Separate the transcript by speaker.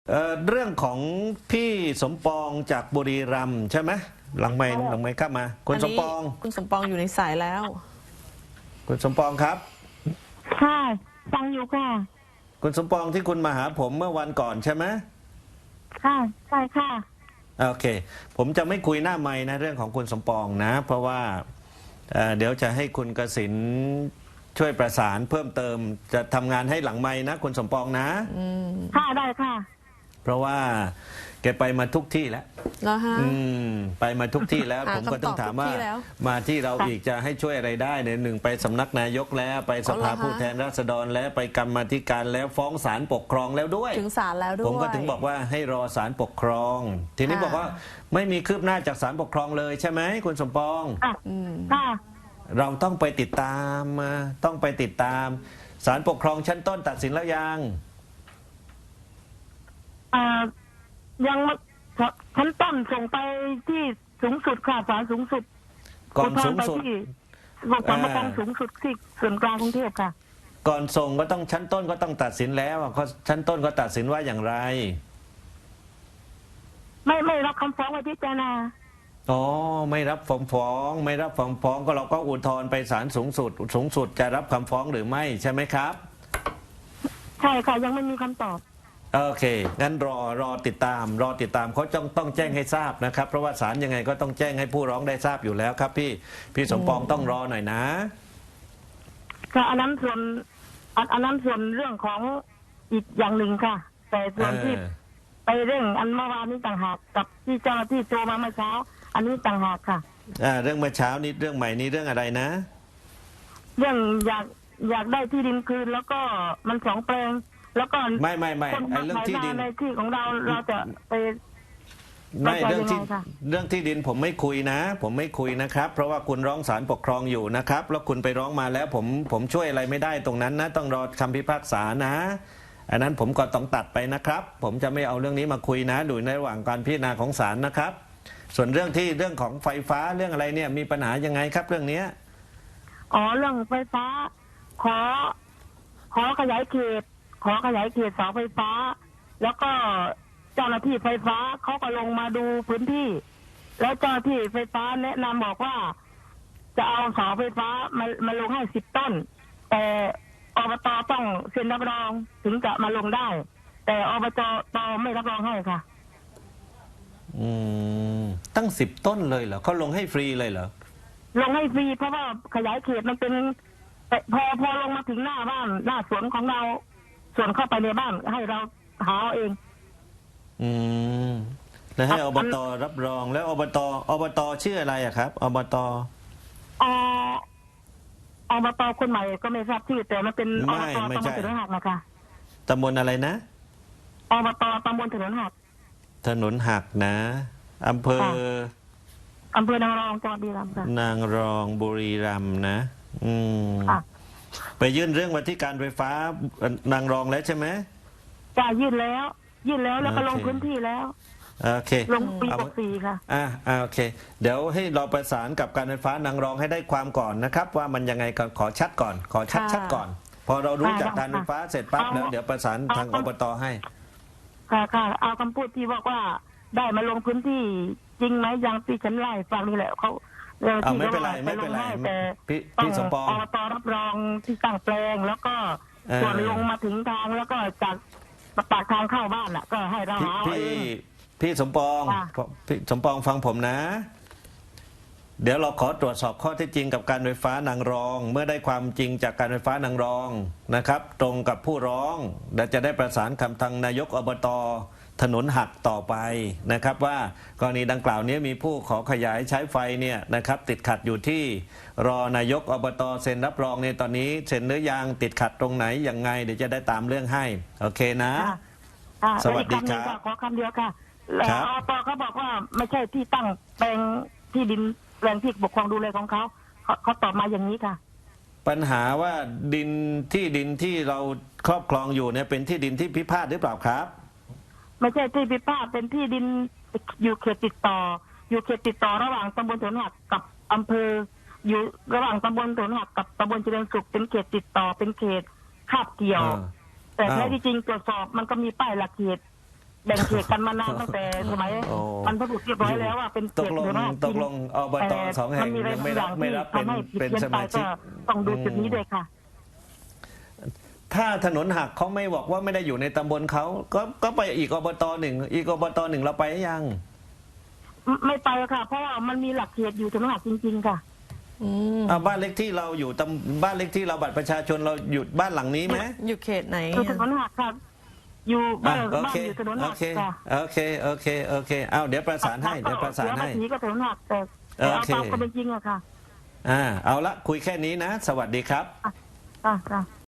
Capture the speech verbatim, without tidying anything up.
Speaker 1: เอ่อเรื่องของพี่สมปองจากบุรีรัมย์ใช่ไหมหลังไม่หลังไม่ครับมาคุณสมปอง
Speaker 2: คุณสมปองอยู่ในสายแล้ว
Speaker 1: คุณสมปองครับ
Speaker 3: ค่ะฟังอยู่ค่ะ
Speaker 1: คุณสมปองที่คุณมาหาผมเมื่อวันก่อนใช่ไหม
Speaker 3: ค่ะใช่ค่ะ
Speaker 1: โอเค ผมจะไม่คุยหน้าไม้นะเรื่องของคุณสมปองนะ เพราะว่าเอ่อเดี๋ยวจะให้คุณกสินช่วยประสานเพิ่มเติมจะทำงานให้หลังไม้นะคุณสมปองนะ
Speaker 3: ค่ะได้ค่ะ
Speaker 1: เพราะว่าแกไปมาทุกที่แล้ว
Speaker 2: แล้วฮะ
Speaker 1: อืมไปมาทุกที่แล้ว
Speaker 2: หา
Speaker 1: ผมก็ต้องถามว่า
Speaker 2: คำตอบทุกที่แล้ว
Speaker 1: มาที่เราอีกจะให้ช่วยอะไรได้เนี่ยหนึ่งไปสำนักนายกแล้วไปสภา
Speaker 2: อ๋อเหรอฮะ
Speaker 1: ผู้แทนราษฎรแล้วไปกรรมาธิการแล้วฟ้องศาลปกครองแล้วด้วย
Speaker 2: ถึงศาลแล้วด้วย
Speaker 1: ผมก็ถึงบอกว่าให้รอศาลปกครอง ทีนี้
Speaker 2: ค่ะ
Speaker 1: บอกว่าไม่มีคืบหน้าจากศาลปกครองเลยใช่ไหมคุณสมปอง
Speaker 3: ค่ะ
Speaker 2: อืม
Speaker 3: ค่ะ
Speaker 1: เราต้องไปติดตามมาต้องไปติดตามศาลปกครองชั้นต้นตัดสินแล้วยัง
Speaker 3: เอ่อยังไม่ชั้นต้นส่งไปที่สูงสุดค่ะศาลสูงสุด
Speaker 1: ก่อน
Speaker 3: อุทธ
Speaker 1: สู
Speaker 3: รณ์
Speaker 1: ง
Speaker 3: ไป
Speaker 1: สุด
Speaker 3: ที่ศาลปกครอง
Speaker 1: อ่า
Speaker 3: สูงสุดที่ส่วนกลางกรุงเทพค่ะ
Speaker 1: ก่อนส่งก็ต้องชั้นต้นก็ต้องตัดสินแล้วอะเขาชั้นต้นก็ตัดสินว่าอย่างไร
Speaker 3: ไม่ไม่รับคำฟ้องไว้พิจารณา
Speaker 1: อ๋อไม่รับฟ้องฟ้องไม่รับฟ้องฟ้องก็เราก็อุทธรณ์ไปศาลสูงสุด สูงสุดจะรับคำฟ้องหรือไม่ใช่ไหมครับ
Speaker 3: ใช่ค่ะ ยังไม่มีคำตอบ
Speaker 1: โอเคงั้นรอรอติดตาม รอติดตามเขาต้องต้องแจ้งให้ทราบนะครับ เพราะว่าศาลยังไงก็ต้องแจ้งให้ผู้ร้องได้ทราบอยู่แล้วครับพี่พี่สมปองต้องรอหน่อยนะ
Speaker 3: ค่ะอันนั้นส่วนอันอันนั้นส่วนเรื่องของอีกอย่างหนึ่งค่ะ แต่ส่วนที่
Speaker 1: เออ
Speaker 3: ไปเร่งอันเมื่อวานนี้ต่างหากกับที่เจ้าหน้าที่โทรมาเมื่อเช้า อันนี้ต่างหากค่ะ
Speaker 1: อ่าเรื่องเมื่อเช้านี้เรื่องใหม่นี้เรื่องอะไรนะ
Speaker 3: เรื่องอยากอยากได้ที่ดินคืนแล้วก็มันสองแปลง แล้วก็
Speaker 1: ไม่ไม่ไม่
Speaker 3: คน
Speaker 1: ไอ้
Speaker 3: มา
Speaker 1: เรื่อง
Speaker 3: ขาย
Speaker 1: ที่ดิ
Speaker 3: นาน ในที่ของเราเราจะไป
Speaker 1: ไม่
Speaker 3: เข้าใจ
Speaker 1: เรื่องที่
Speaker 3: ยังไงคะ
Speaker 1: เรื่องที่ดินผมไม่คุยนะ ผมไม่คุยนะครับ เพราะว่าคุณร้องศาลปกครองอยู่นะครับ แล้วคุณไปร้องมาแล้ว ผมผมช่วยอะไรไม่ได้ตรงนั้นนะ ต้องรอคำพิพากษานะอันนั้นผมก็ต้องตัดไปนะครับ ผมจะไม่เอาเรื่องนี้มาคุยนะดูในระหว่างการพิจารณาของศาลนะครับ ส่วนเรื่องที่เรื่องของไฟฟ้าเรื่องอะไรเนี่ยมีปัญหายังไงครับเรื่องเนี้ย
Speaker 3: อ๋อเรื่องไฟฟ้า ขอ ขอขยายเขต ขอขยายเขตเสาไฟฟ้า แล้วก็เจ้าหน้าที่ไฟฟ้าเขาก็ลงมาดูพื้นที่ แล้วเจ้าหน้าที่ไฟฟ้าแนะนำบอกว่า จะเอาเสาไฟฟ้ามามาลงให้สิบต้น แต่อบตต้องเซ็นรับรองถึงจะมาลงได้ แต่อบจตไม่รับรองให้ค่ะ
Speaker 1: อืมตั้งสิบต้นเลยเหรอเขาลงให้ฟรีเลยเหรอ
Speaker 3: ลงให้ฟรีเพราะว่าขยายเขตมันเป็นแต่พอพอลงมาถึงหน้าบ้านหน้าสวนของเราสวนเข้าไปในบ้านให้เราหาเอาเอง
Speaker 1: อืมแล้วให้
Speaker 3: ครั
Speaker 1: อบ บตรับรองแล้วอบตอบตชื่ออะไรอะครับอบต
Speaker 3: เอ่ออบตคนใหม่ก็ไม่ทราบชื่อแต่มันเป็น
Speaker 1: ไม่
Speaker 3: อบต
Speaker 1: ไม่
Speaker 3: ตำบ
Speaker 1: ใช่
Speaker 3: ลถนนหักนะคะ
Speaker 1: ตำบลอะไรนะ
Speaker 3: อบตตำบลถนนหัก
Speaker 1: ถนนหักนะอำเภอ
Speaker 3: ค่ะ อำเภอนางรองจังหวัดบุรีรัมย์ค่ะ
Speaker 1: นางรองบุรีรัมย์นะ อืม
Speaker 3: ค่ะ
Speaker 1: ไปยื่นเรื่องมาที่การไฟฟ้านางรองแล้วใช่ไหม
Speaker 3: จะยื่นแล้ว ยื่นแล้วแล้วก็ลง
Speaker 1: โอเค
Speaker 3: พื้นที่แล้ว
Speaker 1: โอเค
Speaker 3: ลงปี
Speaker 1: เอา
Speaker 3: หกสี่ค่ะ
Speaker 1: อ่าอ่าโอเค เดี๋ยวให้เราประสานกับการไฟฟ้านางรองให้ได้ความก่อนนะครับ ว่ามันยังไงก่อนขอชัดก่อน ขอชัด
Speaker 2: ค่ะ
Speaker 1: ชัดก่อน พอเรารู้
Speaker 3: ค่ะ
Speaker 1: จากการไฟฟ้าเสร็จปั๊บ
Speaker 3: เอา
Speaker 1: แล้วเดี๋ยวประสานทาง
Speaker 3: เอา
Speaker 1: อบตให้
Speaker 3: ค่ะค่ะเอาคำพูดที่บอกว่าได้มาลงพื้นที่จริงไหมอย่างที่ฉันไล่ฟังนี่แหละเขาเรื่อง
Speaker 1: เอา
Speaker 3: ที่
Speaker 1: ไม่เป็นไร
Speaker 3: ขา
Speaker 1: ไม่เป็นไร
Speaker 3: ลงให้แต่
Speaker 1: พี่
Speaker 3: ต้อ
Speaker 1: พี่
Speaker 3: ง
Speaker 1: สมปอง
Speaker 3: อบตรับรองที่ตั้งแปลง แล้วก็
Speaker 1: เออ
Speaker 3: ส่วนลงมาถึงทางแล้วก็จากปากทางเข้าบ้านอ่ะ ก็ให้เรา
Speaker 1: พี่
Speaker 3: หาเอา
Speaker 1: พี่
Speaker 3: เอง
Speaker 1: พี่สมปอง
Speaker 3: ค่ะ
Speaker 1: พี่สมปองฟังผมนะ เดี๋ยวเราขอตรวจสอบข้อเท็จจริงกับการไฟฟ้านางรอง เมื่อได้ความจริงจากการไฟฟ้านางรองนะครับ ตรงกับผู้ร้องและจะได้ประสานคำทางนายกอบตถนนหักต่อไปนะครับ ว่ากรณีดังกล่าวนี้มีผู้ขอขยายใช้ไฟเนี่ยนะครับ ติดขัดอยู่ที่รอนายกอบตเซ็นรับรองในตอนนี้เซ็นหรือยังติดขัดตรงไหนยังไงเดี๋ยวจะได้ตามเรื่องให้โอเคนะ
Speaker 3: ค่ะค่ะ
Speaker 1: สวัสดีครับ
Speaker 3: แล้วอีกำหนึ่งขอคำเดียวค่ะแล้ว
Speaker 1: ครับ
Speaker 3: อบตเขาบอกว่าไม่ใช่ที่ตั้งแปลงที่ดินแปลงที่ปกครองดูแลของเขาเขาเขาตอบมาอย่างนี้ค่ะ
Speaker 1: ปัญหาว่าดินที่ดินที่เราครอบครองอยู่เนี่ยเป็นที่ดินที่พิพาทหรือเปล่าครับ
Speaker 3: ไม่ใช่ที่พิพาทเป็นที่ดินอยู่เขตติดต่อ อยู่เขตติดต่อระหว่างตำบลถนนหักกับอำเภอ อยู่ระหว่างตำบลถนนหักกับตำบลเจริญสุขเป็นเขตติดต่อเป็นเขตคาบเกี่ยว
Speaker 1: อ่า
Speaker 3: แต่
Speaker 1: อ้าว
Speaker 3: แท้ที่จริงตรวจสอบมันก็มีป้ายหลักเขตแบ่งเขตกันมานานตั้งแต่สมัย
Speaker 1: โอ้
Speaker 3: มันพบุรุษเรียบร้อยแล้วว่าเป็นเข
Speaker 1: ต
Speaker 3: ต
Speaker 1: กลง
Speaker 3: เดียวนะ
Speaker 1: ตกลงอบตสองแห่งยังไม่รับไม่รับเป็น
Speaker 3: ทำให้ผิด
Speaker 1: เป็น
Speaker 3: เพี้ยน
Speaker 1: ส
Speaker 3: ไป
Speaker 1: มาชิ
Speaker 3: ก็
Speaker 1: ก
Speaker 3: ต้องดูจุดนี้ด้วยค่ะ
Speaker 1: ถ้าถนนหักเขาไม่บอกว่าไม่ได้อยู่ในตำบลเขาก็ก็ไปอีกอบตหนึ่งอีกอบตหนึ่งเราไปหรือยัง
Speaker 3: ไม่ไม่ไปค่ะ เพราะว่ามันมีหลักเขตอยู่ถนนหักจริงๆค่ะ
Speaker 2: อืม
Speaker 1: อ่าบ้านเล็กที่เราอยู่ตำบ้านเล็กที่เราบัตรประชาชนเราอยู่บ้านหลังนี้ไหม
Speaker 2: อยู่เขตไหน
Speaker 3: คือถนนหักค่ะ อยู่บ้า
Speaker 1: อ่ะ
Speaker 3: น
Speaker 1: โอ
Speaker 3: บ้าน
Speaker 1: เค
Speaker 3: อยู่ถนน
Speaker 1: โอ
Speaker 3: หัก
Speaker 1: เค
Speaker 3: ค่ะ
Speaker 1: โอเคโอเคโอเคเอาเดี๋ยวประสานให้เดี๋ยวประสานให้
Speaker 3: เสียภษีก็ถนนหักแต่แต่เอา
Speaker 1: โอเค
Speaker 3: ตามความเป็นจริงอะค่ะ
Speaker 1: อ่าเอาละคุยแค่นี้นะ สวัสดีครับ
Speaker 3: ค่ะค่ะ